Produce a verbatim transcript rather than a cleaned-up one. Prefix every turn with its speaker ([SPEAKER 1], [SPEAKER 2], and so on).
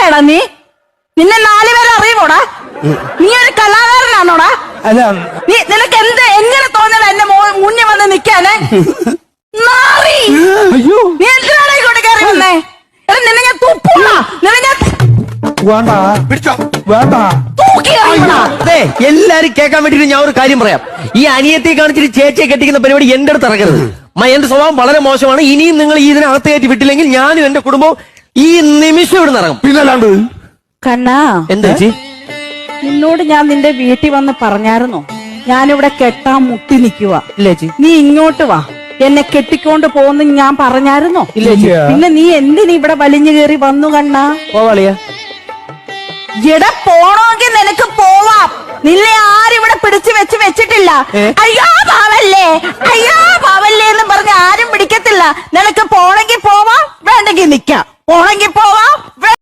[SPEAKER 1] ആരാടാ നീ? നിന്നെ നാലുപേരെ അറിയുമോടാ? നീ ഒരു കലാകാരനാണോടാ?
[SPEAKER 2] അല്ല
[SPEAKER 1] നീ നിനക്ക് എന്ത് എങ്ങനെ തോന്നല എന്റെ മുന്നിൽ വന്ന് നിക്കാന്?
[SPEAKER 2] അയ്യോ
[SPEAKER 1] നീ എന്തിനാണ് ഇങ്ങോട്ട് കയറി വന്നേ? എടാ നിന്നെ ഞാൻ തുപ്പൂടാ, നിന്നെ ഞാൻ
[SPEAKER 2] വേണ്ട
[SPEAKER 3] പിടിച്ചോ
[SPEAKER 2] വേണ്ട.
[SPEAKER 1] തൂക്കി കളയുമെടാ.
[SPEAKER 4] അതെ, എല്ലാരും കേൾക്കാൻ വേണ്ടിട്ട് ഞാൻ ഒരു കാര്യം പറയാം. ഈ അനിയത്തെ കാണിച്ചിട്ട് ചേച്ചിയെ കെട്ടിക്കുന്ന പരിപാടി എന്റെ അടുത്ത് ഇറക്കരുത്. എന്റെ സ്വഭാവം വളരെ മോശമാണ്. ഇനിയും നിങ്ങൾ ഈ ഇതിനകത്ത് കയറ്റി വിട്ടില്ലെങ്കിൽ ഞാനും എന്റെ കുടുംബവും ഈ നിമിഷം ഇവിടെ ഇറങ്ങും.
[SPEAKER 3] പിന്നല്ലാണ്ട്
[SPEAKER 1] കണ്ണാ,
[SPEAKER 4] എന്താ ചേച്ചി?
[SPEAKER 1] നിന്നോട് ഞാൻ നിന്റെ വീട്ടിൽ വന്ന് പറഞ്ഞായിരുന്നോ ഞാനിവിടെ കെട്ടാൻ മുട്ടി നിൽക്കുക?
[SPEAKER 4] ഇല്ല ചേച്ചി.
[SPEAKER 1] നീ ഇങ്ങോട്ട് വാ, എന്നെ കെട്ടിക്കൊണ്ട് പോകുന്ന ഞാൻ പറഞ്ഞായിരുന്നോ?
[SPEAKER 4] ഇല്ല ചേച്ചി.
[SPEAKER 1] പിന്നെ നീ എന്തിനു ഇവിടെ വലിഞ്ഞു കയറി വന്നു കണ്ണാ?
[SPEAKER 4] പോവാളിയാ,
[SPEAKER 1] ഇവിടെ പോണോങ്കിൽ നിനക്ക് പോവാം. നിന്നെ ആരിവിടെ പിടിച്ചു വെച്ച് വെച്ചിട്ടില്ല. അയ്യോ പാവല്ലേ, അയ്യോ പാവല്ലേ എന്ന് പറഞ്ഞ് ആരും പിടിക്കത്തില്ല. നിനക്ക് പോണെങ്കിൽ പോവാം, വേണ്ടെങ്കിൽ നിക്കാം. പോണെങ്കിൽ പോവാം.